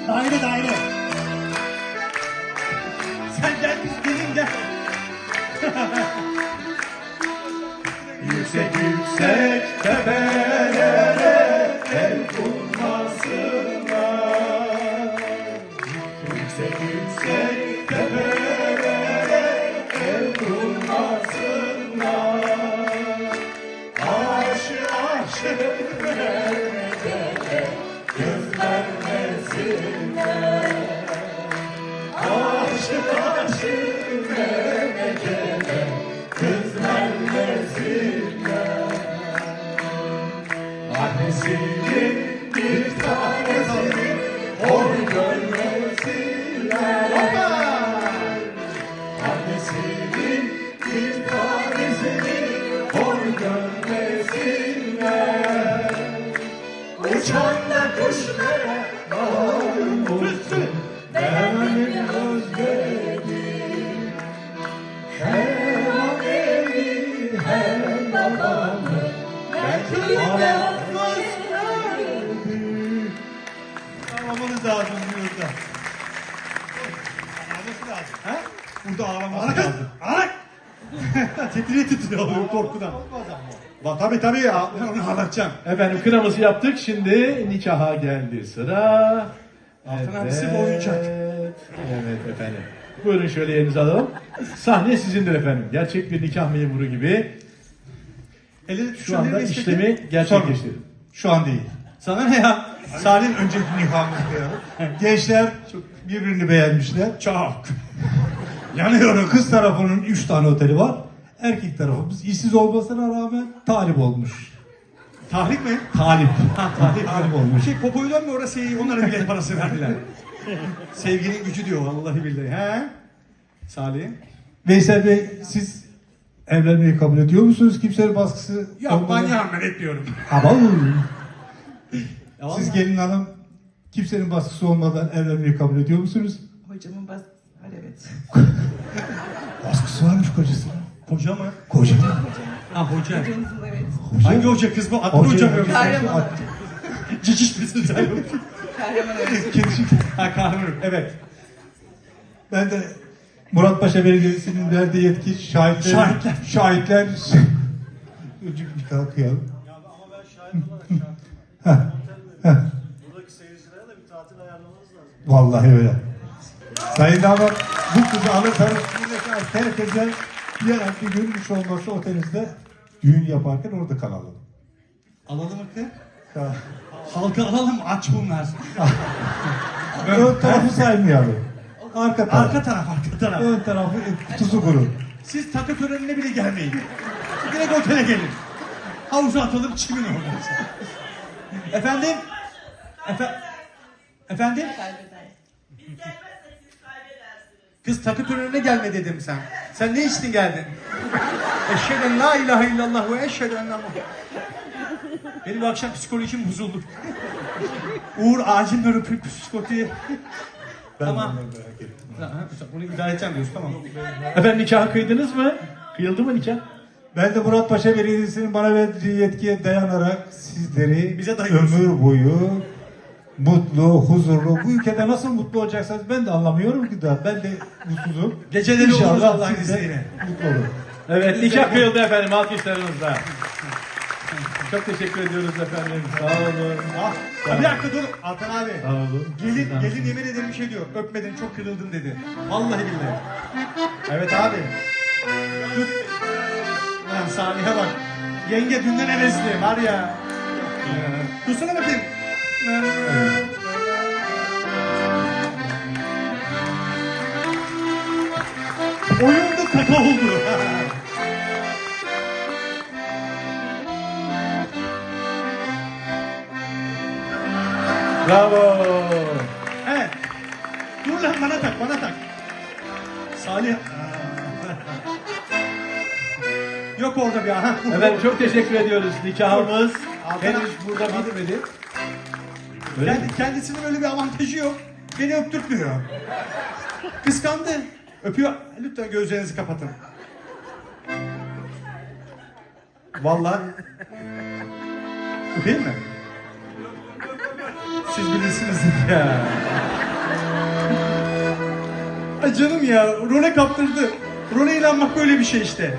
Daire daire. Sen gel biz gelin gel. Yüksek yüksek tepelere el kurmasınlar. Yüksek yüksek tepelere el kurmasınlar. Aşı aşı vermecele göz vermesinler. Aşı aşı vermecele göz vermesinler. Annesinin bir tanesini hor görmesinler. Annesinin bir tanesini hor görmesinler. Uçan da kuşlara malum olsun. Ben özledim. Hem annemi hem babamı ben ağlamanız lazım burada. Ağlaması lazım. He? Burada ağlaması lazım. Ağlak! Titriye titriyor korkudan. Tabii ya. Onu ağlatacağım. Efendim kınamızı yaptık. Şimdi nikaha geldi sıra. Altın abisi bu oyuncak. Evet efendim. Buyurun şöyle yerinizi alalım. Sahne sizindir efendim. Gerçek bir nikah memuru gibi. Şu anda işlemi gerçekleştirin. Şu an değil. Sana ne ya? Salih'in önceki nikahımızda ya. Gençler çok birbirini beğenmişler. Çok. Yanıyorum. Kız tarafının 3 tane oteli var. Erkek tarafımız işsiz olmasına rağmen talip olmuş. Tahrip mi? Talip. Ha, talip olmuş. Popoy'dan mı orası onlara bilet parası verdiler. Sevginin gücü diyor vallahi billahi. He? Salih. Veysel Bey, siz evlenmeyi kabul ediyor musunuz? Kimsenin baskısı Yok ben etmiyorum. Ama siz gelin hanım kimsenin baskısı olmadan evlenmeyi kabul ediyor musunuz? Hocamın baskısı var, evet. Baskısı varmış kocasının. Koca mı? Koca. Ha hoca. Hocamızın, evet. Hangi hoca kız bu? Adını hoca mı? Kahraman hoca. Ciciş misin sen? Kahraman hoca. Kedişik. Ha kahraman. Evet. Ben de Muratpaşa Belediyesi'nin verdiği yetki şahitler. Bir kalkıyalım. Ya ama ben şahit olarak şarkı buradaki seyircilere de bir tatil ayarlamanız lazım. Vallahi öyle. Sayın damat, bu kızı alırsanız buradaki herkese bir gün hiç olmazsa otelinizde düğün yaparken orada kalalım. Alalım mı kız? Halka alalım aç bunlar. Ön tarafı saymayalım. Arka taraf. Arka taraf. Ön tarafı kutusu kuru. Siz takı törenine bile gelmeyin. Direkt otele gelin. Havuza atalım çimin orada. Efendim? Efendim? Kız takı törenine gelme dedim sen. Sen ne içtin geldin? Eşheden la ilahe illallah ve eşheden la. Benim bu akşam psikolojim bozuldu. Uğur acil öpüp psikoloji. Tamam. Bunu idare edeceğim diyorsun, tamam. Efendim nikahı kıydınız mı? Kıyıldı mı nikah? Ben de Muratpaşa Belediyesi'nin bana verdiği yetkiye dayanarak sizleri Bize dayıyorsun. ömür boyu mutlu, huzurlu, bu ülkede nasıl mutlu olacaksınız ben de anlamıyorum ki daha. Ben de mutsuzum. Geceleri oluruz İnşallah Allah'ın siz de izniyle. mutlu olun. Evet nikah kıyıldı efendim alkışlarınızla. Çok teşekkür ediyoruz efendim. Sağ olun. Bir dakika dur Altan abi. Sağ olun. Gelin yemin ederim bir şey diyor. Öpmedin çok kırıldın dedi. Vallahi billahi. Evet abi. Dur. Lan Salih'e bak. Yenge dünden hevesli var ya. Dursana bakayım. Oyunda kaka oldu. Bravo. Evet. Dur lan bana tak. Salih. Yok orada bir aha. Efendim çok teşekkür ediyoruz. Nikahımız Altan- henüz burada bitmedi. Öyle mi? Kendisinin öyle bir avantajı yok. Beni öptürtmüyor. Kıskandı. Öpüyor. Lütfen gözlerinizi kapatın. Vallahi. Öpeyim mi? Siz bilirsiniz. Ya. Ay canım ya, role kaptırdı. Role inanmak böyle bir şey işte.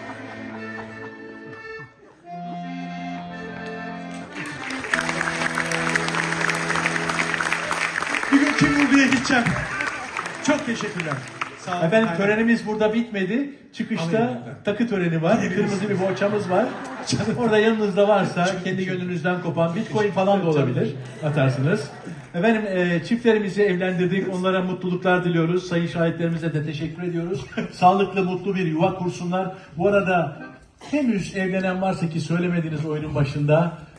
Bir gün kim vurduya gideceğim. Çok teşekkürler. Sağ olun. Efendim Aynen. törenimiz burada bitmedi. Çıkışta Alayım. takı töreni var. Kırmızı bir bohçamız var. Orada yanınızda varsa kendi gönlünüzden kopan Bitcoin falan da olabilir. Atarsınız. Efendim çiftlerimizi evlendirdik. Onlara mutluluklar diliyoruz. Sayın şahitlerimize de teşekkür ediyoruz. Sağlıklı, mutlu bir yuva kursunlar. Bu arada henüz evlenen varsa ki söylemediniz oyunun başında.